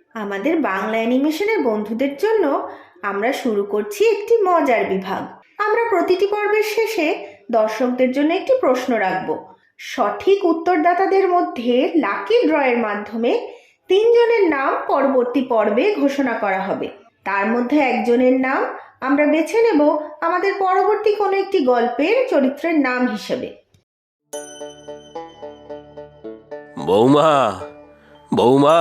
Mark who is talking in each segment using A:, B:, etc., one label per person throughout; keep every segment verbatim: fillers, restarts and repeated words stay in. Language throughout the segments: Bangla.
A: আমাদের বাংলা অ্যানিমেশনের বন্ধুদের জন্য আমরা শুরু করছি একটি মজার বিভাগ। আমরা প্রতিটি পর্বের শেষে দর্শকদের জন্য একটি প্রশ্ন রাখব। সঠিক উত্তরদাতাদের মধ্যে লাকি ড্রয়ের মাধ্যমে তিনজনের নাম পরবর্তী পর্বে ঘোষণা করা হবে। তার মধ্যে একজনের নাম আমরা বেছে নেব আমাদের পরবর্তী কোনো একটি গল্পের চরিত্রের নাম হিসেবে।
B: বৌমা, বৌমা,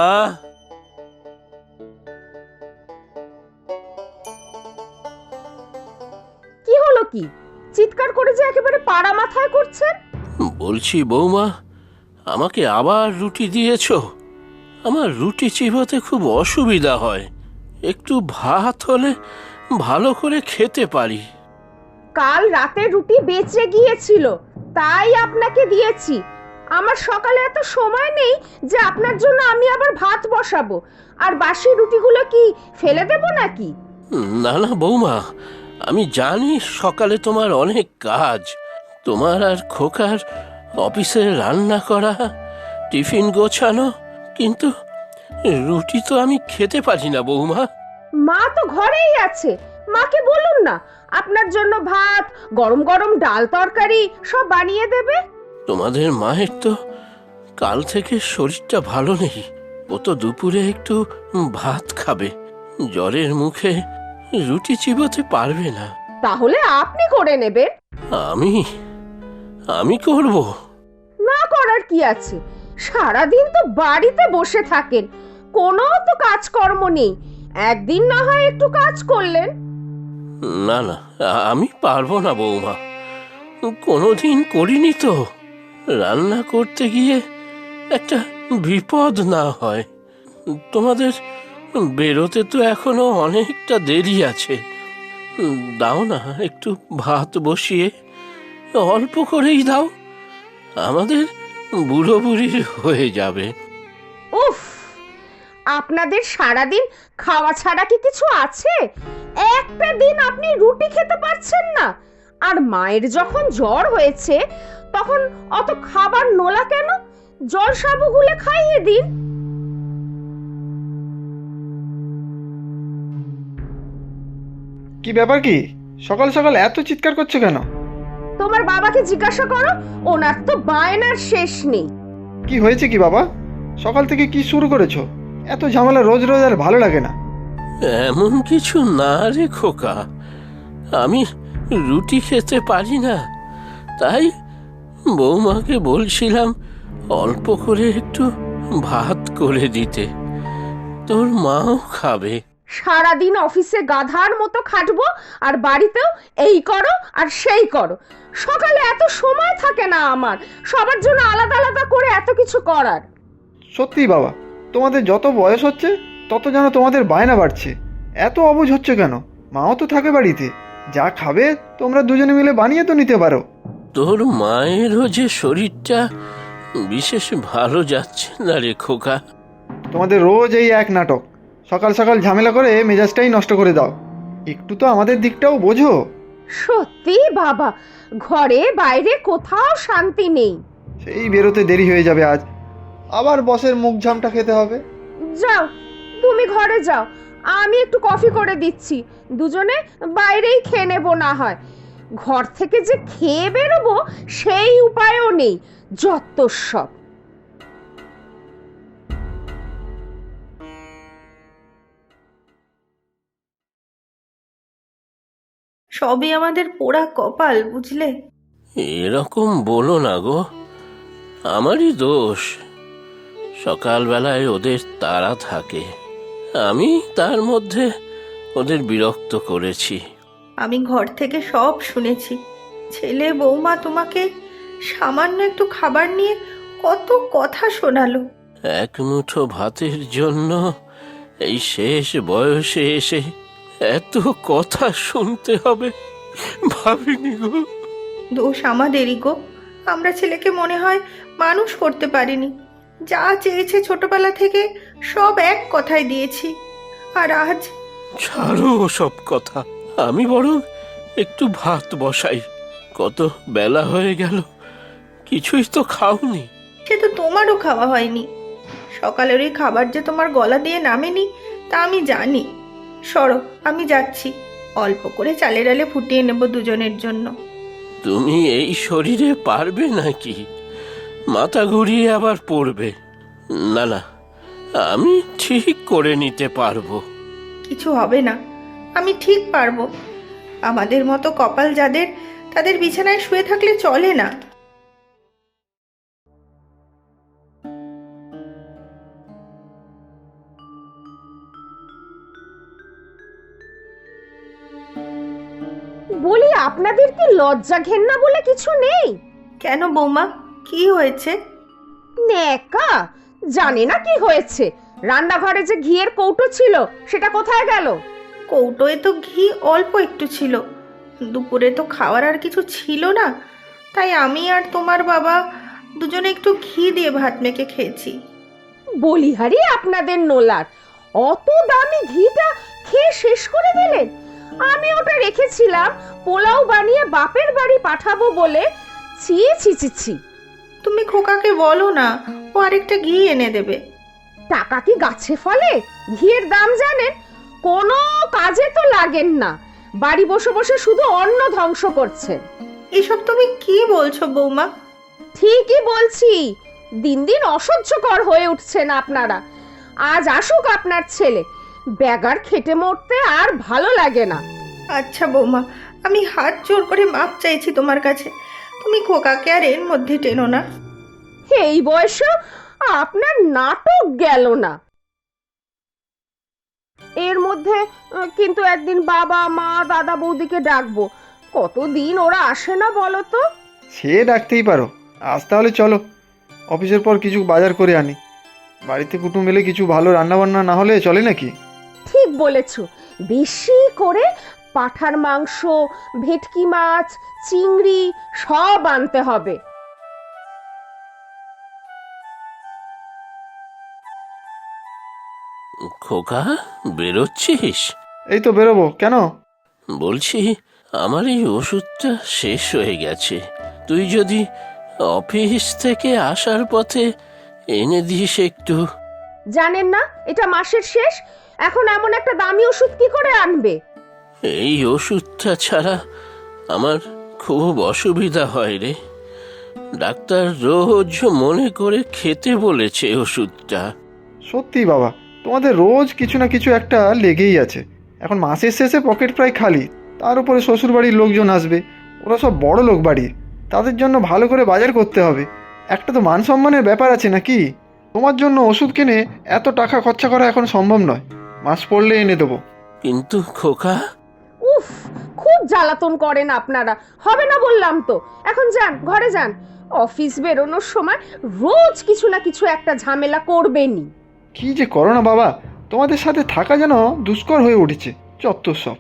C: কি হলো? কি চিৎকার করে যে একেবারে পাড়া মাথায় করছেন?
B: বলছি বৌমা, আমাকে আবার রুটি দিয়েছো? আমার রুটি চিবোতে খুব অসুবিধা হয়, একটু ভাত হলে ভালো করে খেতে পারি।
C: কাল রাতে রুটি বেঁচে গিয়েছিল, তাই আপনাকে দিয়েছি। আমার সকালে এত সময় নেই যে আপনার জন্য আমি আবার ভাত বসাবো। আর বাসি রুটিগুলো কি ফেলে দেব নাকি?
B: না না বৌমা, আমি জানি সকালে তোমার অনেক কাজ, তোমার আর খোকার অফিসে রান্না করা, টিফিন গোছানো, কিন্তু রুটি তো আমি খেতে পারি না বৌমা।
C: মা তো ঘরেই আছে, মাকে বলুন না আপনার জন্য ভাত, গরম গরম ডাল তরকারি সব বানিয়ে দেবে।
B: তোমাদের মায়ের তো কাল থেকে শরীরটা ভালো নেই, ও তো দুপুরে একটু ভাত খাবে, জ্বরের মুখে রুটি চিবোতে পারবে না।
C: তাহলে আপনি করে নেবেন।
B: আমি আমি করব?
C: না করার কি আছে? সারাদিন তো বাড়িতে বসে থাকেন, কোনো তো কাজকর্ম নেই। একদিন না হয় একটু কাজ করলেন।
B: না না, আমি পারবো না বৌমা, কোনোদিন করিনি তো। রান্না করতে গিয়ে একটা বিপদ না হয়। তোমাদের বেরোতে তো এখনো অনেকটা দেরি আছে, দাও না একটু ভাত বসিয়ে, অল্প করেই দাও, আমাদের বুড়ো বুড়ির হয়ে যাবে।
C: উফ, আপনাদের সারাদিন খাওয়া ছাড়া কি কিছু আছে? একটা দিন আপনি রুটি খেতে পারছেন না? আর মায়ের যখন জ্বর হয়েছে তখন অত খাবার নোলা কেন? জল সাবু গুলে খাইয়ে দিন।
D: কি ব্যাপার? কি সকাল সকাল এত চিৎকার করছো কেন?
C: তোমার বাবাকে জিজ্ঞাসা করো, ওনার তো বায়নার শেষ নেই।
D: কি হয়েছে কি বাবা? সকাল থেকে কি শুরু করেছো? এত ঝামেলা রোজ রোজ আর ভালো লাগে না।
B: এমন কিছু না রে খোকা, আমি রুটি খেতে পারি না, তাই বৌমাকে বলছিলাম অল্প করে একটু ভাত করে দিতে, তোর মাও খাবে।
C: সারাদিন অফিসে গাধার মতো খাটবো আর বাড়িতেও এই করো আর সেই করো। সকালে এত সময় থাকে না আমার সবার জন্য আলাদা আলাদা করে এত কিছু করার।
D: সত্যি বাবা, তোমাদের যত বয়স হচ্ছে তত যেন তোমাদের বায়না বাড়ছে। এত অবুঝ হচ্ছে কেন? মাও তো থাকে বাড়িতে, যা খাবে তোমরা দুজনে মিলে বানিয়ে তো নিতে পারো।
B: তোর মায়েরও যে শরীরটা বিশেষ ভালো যাচ্ছে না রে খোকা।
D: তোমাদের রোজ এই এক নাটক, সকাল সকাল ঝামেলা করে মেজাজটাই নষ্ট করে দাও। একটু তো আমাদের দিকটাও বোঝো।
C: সত্যি বাবা, ঘরে বাইরে কোথাও শান্তি নেই।
D: সেই বেরোতে দেরি হয়ে যাবে আজ, আবার বসের মুখ ঝামটা খেতে হবে।
C: যাও, তুমি ঘরে যাও, আমি একটু কফি করে দিচ্ছি, দুজনে বাইরেই খেয়ে নেবো না হয়। ঘর থেকে যে খেয়ে বেরোবো সেই উপায়ও নেই, যত সব।
A: সবই আমাদের পোড়া কপাল, বুঝলে?
B: এরকম বলো না গো, আমারই দোষ। সকালবেলায় ওদের তাড়া থাকে, আমি তার মধ্যে ওদের বিরক্ত করেছি।
A: আমি ঘর থেকে সব শুনেছি। ছেলে বৌমা তোমাকে সামান্য একটু খাবার নিয়ে কত কথা শোনালো।
B: এক মুঠো ভাতের জন্য এই শেষ বয়সে এসে এত কথা শুনতে হবে ভাবিনি গো।
A: দোষ আমাদেরই গো, আমরা ছেলেকে মনে হয় মানুষ করতে পারিনি। যা চেয়েছে ছোটবেলা থেকে সব এক কথায় দিয়েছি, আর আজ।
B: ছাড়ো সব কথা, আমি বরং একটু ভাত বসাই, কত বেলা হয়ে গেল, কিছুই তো খাওনি।
A: সে তো তোমারও খাওয়া হয়নি। সকালের ওই খাবার যে তোমার গলা দিয়ে নামেনি তা আমি জানি। সরো, আমি যাচ্ছি, অল্প করে চালে ডালে ফুটিয়ে নেব দুজনের জন্য।
B: তুমি এই শরীরে পারবে নাকি? মাথা ঘুরিয়ে আবার পড়বে। না না, আমি ঠিক করে নিতে পারবো।
A: কিছু হবে না, আমি ঠিক পারবো। আমাদের মতো কপাল যাদের, তাদের বিছানায় শুয়ে থাকলে চলে না।
C: বলি, আপনাদের কি লজ্জা ঘেন্না বলে কিছু নেই?
A: কেন বৌমা, কি হয়েছে?
C: নেকা জানে না কি হয়েছে। রান্নাঘরে যে ঘিয়ের কৌটো ছিল সেটা কোথায় গেল?
A: কৌটোয় তো ঘি অল্প একটু ছিল, দুপুরে তো খাওয়ার আর কিছু ছিল না, তাই আমি আর তোমার বাবা দুজনে একটু ঘি দিয়ে ভাত মেখে খেয়েছি।
C: বলিহারি আপনাদের নোলার, অত দামি ঘিটা খেয়ে শেষ করে দিলেন। আমি ওটা রেখেছিলাম পোলাও বানিয়ে বাপের বাড়ি পাঠাবো বলে। ছি ছি ছি ছি।
A: তুমি খোকাকে বলো না, ও আরেকটা ঘি এনে দেবে।
C: টাকা কি গাছে ফলে? ঘিয়ের দাম জানেন? কোনো কাজে তো লাগেন না, বাড়ি বসে বসে শুধু অন্ন ধ্বংস করছেন।
A: এসব তুমি কি বলছো বৌমা?
C: ঠিকই বলছি, দিন দিন অসহ্যকর হয়ে উঠছেন আপনারা। আজ আসুক আপনার ছেলে, বেগার খেটে মরতে আর ভালো লাগে না।
A: আচ্ছা বৌমা, আমি হাত জোর করে মাপ চাইছি তোমার কাছে, তুমি খোকাকে আর এর মধ্যে টেনো না।
C: এই বয়সে আপনার নাটক গেল না। এর মধ্যে আহ, কিন্তু একদিন বাবা মা দাদা বৌদিকে ডাকবো। কতদিন ওরা আসে না বলো তো?
D: সে ডাকতেই পারো, আজ তাহলে চলো, অফিসের পর কিছু বাজার করে আনি। বাড়িতে কুটুম এলে কিছু ভালো রান্নাবান্না না হলে চলে নাকি?
C: ঠিক বলেছো, বেশি করে পাঁঠার মাংস, ভেটকি মাছ, চিংড়ি সব আনতে হবে।
B: খোকা, বেরোচ্ছিস?
D: এই তো বেরোবো। কেন?
B: বলছি, আমার এই ওষুধটা শেষ হয়ে গেছে। তুই যদি অফিস থেকে আসার পথে এনে দিস একটু।
C: জানেন না এটা মাসের শেষ? এখন এমন একটা দামি ওষুধ কি করে আনবে?
B: এই ওষুধটা ছাড়া আমার খুব অসুবিধা হয় রে। ডাক্তার রোজ মনে করে খেতে বলেছে ওষুধটা।
D: সত্যি বাবা, তোমাদের রোজ কিছু না কিছু একটা লেগেই আছে। এখন মাসের শেষে পকেট প্রায় খালি, তার উপরে শ্বশুরবাড়ির লোকজন আসবে, ওরা সব বড় লোক বাড়ির, তাদের জন্য ভালো করে বাজার করতে হবে। একটা তো মান সম্মানের ব্যাপার আছে নাকি? তোমার জন্য ওষুধ কিনে এত টাকা খরচা করা এখন সম্ভব নয়, মাস পড়লে এনে দেবো।
B: কিন্তু খোকা,
C: উফ, খুব জ্বালাতন করেন আপনারা। হবে না বললাম তো। এখন যান, ঘরে যান। অফিস বেরোনোর সময় রোজ কিছু না কিছু একটা ঝামেলা করবেনই।
D: কি যে করো না বাবা, তোমাদের সাথে থাকা যেন দুষ্কর হয়ে উঠেছে, চত্বর সব।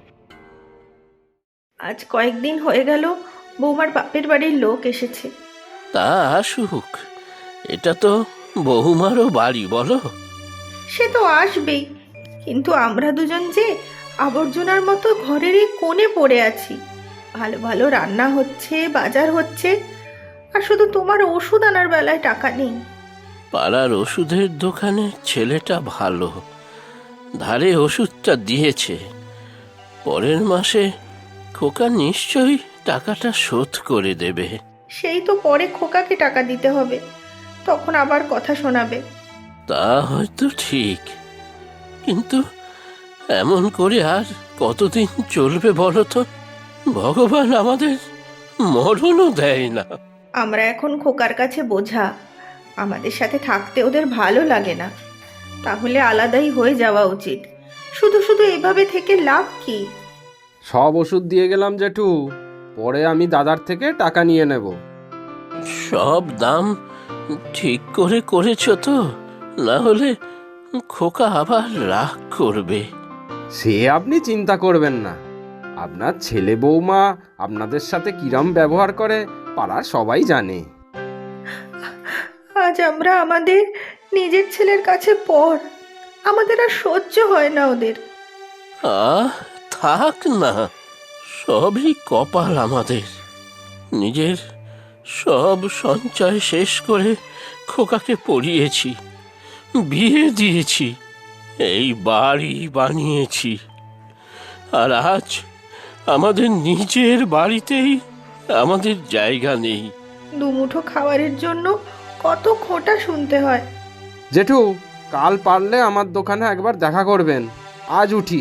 A: আজ কয়েকদিন হয়ে গেল বৌমার বাপের বাড়ির লোক এসেছে।
B: তা আসুক, এটা তো বহুমারও বাড়ি, বলো।
A: সে তো আসবেই, কিন্তু আমরা দুজন যে আবর্জনার মতো ঘরের এই কোণে পড়ে আছি। ভালো ভালো রান্না হচ্ছে, বাজার হচ্ছে, আর শুধু তোমার ওষুধ আনার বেলায় টাকা নেই।
B: পাড়ার ওষুধের দোকানে ছেলেটা ভালো, ধারে ওষুধটা দিয়েছে। পরের মাসে খোকা নিশ্চয়ই টাকাটা শোধ করে দেবে।
A: সেই তো পরে খোকাকে টাকা দিতে হবে, তখন আবার কথা শোনাবে।
B: তা হয়তো ঠিক, কিন্তু এমন করে আর কতদিন চলবে বলো তো? ভগবান আমাদের মরণও দেয় না।
A: আমরা এখন খোকার কাছে বোঝা, আমাদের সাথে থাকতে ওদের ভালো লাগে না। তাহলে আলাদাই হয়ে যাওয়া উচিত। শুধু শুধু এভাবে থেকে লাভ কি?
E: সব ওষুধ দিয়ে গেলাম জেঠু, পরে আমি দাদার থেকে টাকা নিয়ে নেব।
B: সব দাম ঠিক করে করেছো তো? না হলে খোকা আবার রাগ করবে।
E: সে আপনি চিন্তা করবেন না, আপনার ছেলে বৌমা আপনাদের সাথে কিরম ব্যবহার করে পাড়ার সবাই জানে।
A: আজ আমরা আমাদের নিজের ছেলের কাছে পর, আমাদের আর সহ্য হয় না ওদের।
B: আহ, থাক না, সবই কপাল আমাদের। নিজের সব সঞ্চয় শেষ করে খোকাকে পড়িয়েছি, বিয়ে দিয়েছি, এই বাড়ি বানিয়েছি, আর আজ আমাদের নিজের বাড়িতেই আমাদের জায়গা নেই।
A: দুমুঠো খাবারের জন্য কত খোঁটা শুনতে হয়।
E: জেঠু, কাল পারলে আমার দোকানে একবার দেখা করবেন। আজ উঠি।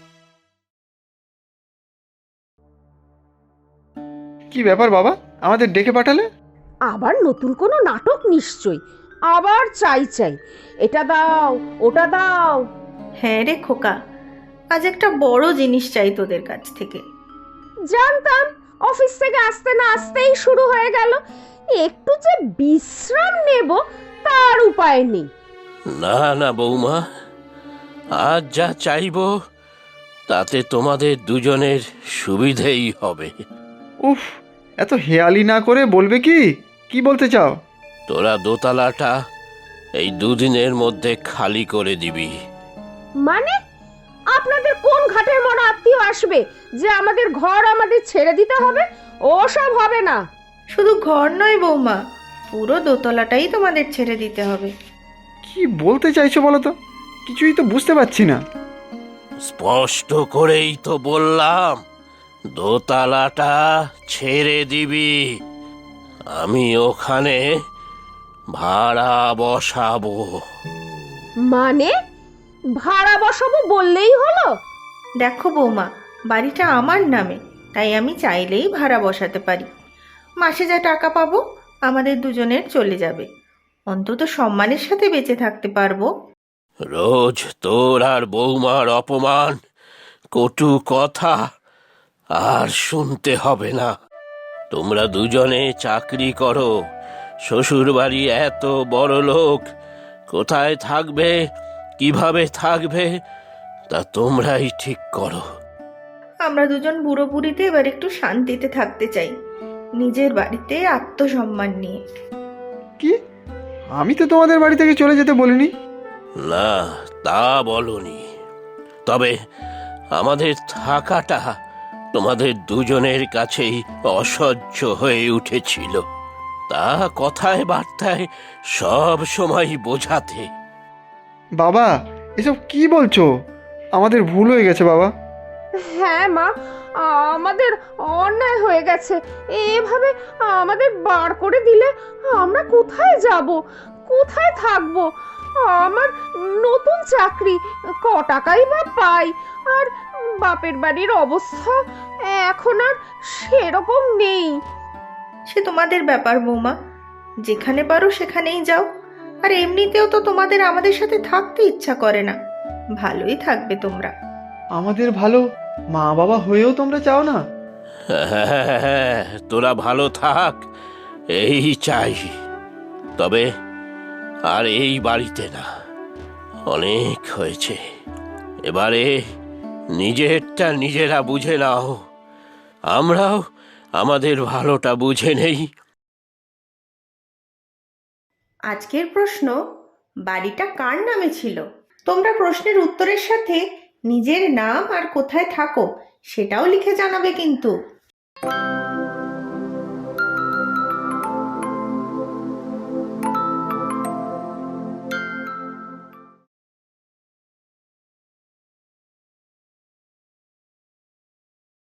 D: কি ব্যাপার বাবা, আমাদের ডেকে পাঠালে?
C: আবার নতুন কোনো নাটক নিশ্চয়। আবার চাই চাই, এটা দাও ওটা দাও।
A: হ্যাঁ রে খোকা, আজ একটা বড় জিনিস চাই তোদের কাছ থেকে।
C: জানতাম অফিস থেকে আসতে না আসতেই শুরু হয়ে গেল। একটু যে বিশ্রাম নেব তার উপায় নেই।
B: না না বৌমা, আজ যা চাইব তাতে তোমাদের দুজনের সুবিধেই হবে।
D: উফ, এত হেয়ালি না করে বলবে কি কি বলতে চাও?
B: তোরা দোতলাটা এই দুদিনের মধ্যে খালি করে দিবি।
C: মানে আপনাদের কোন ঘাটের মরা আত্মীয় আসবে যে আমাদের ঘর আমাদের ছেড়ে দিতে হবে? ওসব হবে না।
A: শুধু ঘর নয় বৌমা, পুরো দোতলাটাই তোমাদের ছেড়ে দিতে হবে।
D: কি বলতে চাইছো বলো তো? কিছুই তো বুঝতে পারছি না।
B: স্পষ্ট করেই তো বললাম, দোতলাটা ছেড়ে দিবি। আমি ওখানে ভাড়া বসাবো।
C: মানে ভাড়া বসাবো বললেই হলো?
A: দেখো বৌমা, বাড়িটা আমার নামে, তাই আমি চাইলেই ভাড়া বসাতে পারি। মাসে যা টাকা পাবো আমাদের দুজনের চলে যাবে, অন্তত সম্মানের সাথে বেঁচে থাকতে পারবো।
B: রোজ তোর আর বৌমার অপমান, কটু কথা আর শুনতে হবে না। তোমরা দুজনে চাকরি করো, শ্বশুর বাড়ি এত বড় লোক, কোথায় থাকবে কিভাবে থাকবে তা তোমরাই ঠিক করো।
A: আমরা দুজন বুড়ো বুড়িতে এবার একটু শান্তিতে থাকতে চাই, নিজের বাড়িতে আত্মসম্মান নিয়ে।
D: কি? আমি তো তোমাদের বাড়ি থেকে চলে যেতে বলিনি।
B: না, তা বলনি, তবে আমাদের থাকাটা তোমাদের দুজনের কাছেই অসহ্য হয়ে উঠেছিল, তা কথায় বার্তায় সব সময় বোঝাতে।
D: বাবা, এসব কি বলছো? আমাদের ভুল হয়ে গেছে বাবা।
C: হ্যাঁ মা, আমাদের অন্যায় হয়ে গেছে। এভাবে আমাদের বার করে দিলে আমরা কোথায় যাব, কোথায় থাকবো? আমার নতুন চাকরি, ক টাকাই বা পাই, আর বাপের বাড়ির অবস্থা এখন আর সেরকম নেই।
A: সে তোমাদের ব্যাপার বৌমা, যেখানে পারো সেখানেই যাও। আর এমনিতেও তো তোমাদের আমাদের সাথে থাকতে ইচ্ছা করে না, ভালোই থাকবে তোমরা।
D: আমাদের ভালো মা বাবা হয়েও তোমরা চাও না?
B: হ্যাঁ, তোরা ভালো থাক এই চাই, তবে আর এই বাড়িতে না, অনেক হয়েছে। এবারে নিজেরটা নিজেরা বুঝে নাও, আমরাও আমাদের ভালোটা বুঝে নেই।
A: আজকের প্রশ্ন, বাড়িটা কার নামে ছিল? তোমরা প্রশ্নের উত্তরের সাথে নিজের নাম আর কোথায় থাকো সেটাও লিখে জানাবে কিন্তু।